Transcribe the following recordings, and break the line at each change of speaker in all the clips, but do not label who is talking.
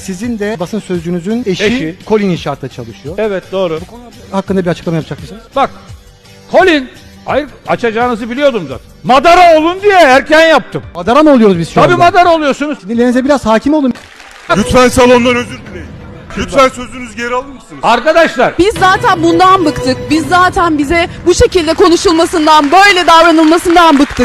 Sizin de basın sözcünüzün eşi
Eşi.
Colin İnşaat'ta çalışıyor.
Evet, doğru.
Hakkında bir açıklama yapacak mısınız?
Bak, Colin, hayır, açacağınızı biliyordum zaten. Madara olun diye erken yaptım.
Madara mı oluyoruz biz şu
Tabii
anda?
madara oluyorsunuz.
Sinirlerinize biraz hakim olun.
Lütfen salondan özür dileyin. Lütfen sözünüzü geri alır mısınız?
Arkadaşlar,
Biz zaten bundan bıktık. Biz zaten bize bu şekilde konuşulmasından, böyle davranılmasından bıktık.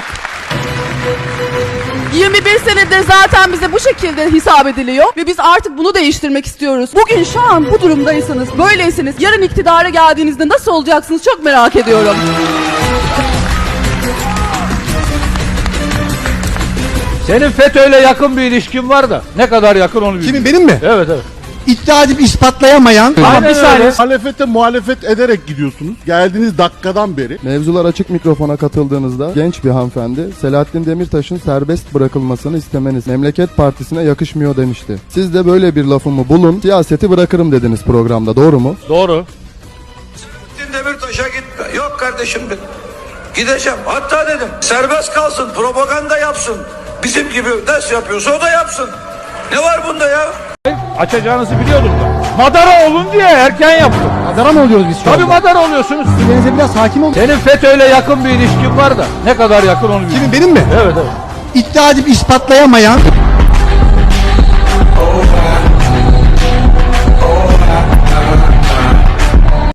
21 senedir zaten bize bu şekilde hesap ediliyor ve biz artık bunu değiştirmek istiyoruz. Bugün şu an bu durumdaysanız, böyleyseniz yarın iktidara geldiğinizde nasıl olacaksınız çok merak ediyorum.
senin FETÖ'yle yakın bir ilişkin var da ne kadar yakın onu bilmiyorum.
Kimin, benim mi?
Evet, evet.
İddia edip ispatlayamayan.
Aynen
bir saniye.
öyle.
Muhalefete muhalefet ederek gidiyorsunuz. Geldiğiniz dakikadan beri.
Mevzular açık mikrofona katıldığınızda genç bir hanımefendi Selahattin Demirtaş'ın serbest bırakılmasını istemeniz Memleket Partisi'ne yakışmıyor demişti. Siz de böyle bir lafımı bulun, siyaseti bırakırım dediniz programda, doğru mu?
Doğru.
Demirtaş'a gitme. Yok kardeşim dedim. Gideceğim. Hatta dedim serbest kalsın, propaganda yapsın. Bizim gibi nasıl yapıyorsa o da yapsın. Ne var bunda ya?
Açacağınızı biliyordum da. Madara olun diye erken yaptım.
Madara mı oluyoruz biz şu
Tabii
anda?
madara oluyorsunuz.
Sinirlerinize biraz hakim olun.
Senin FETÖ'yle yakın bir ilişkin var da ne kadar yakın onu bilmiyorum.
Kimin, benim mi?
Evet, evet.
İddia edip ispatlayamayan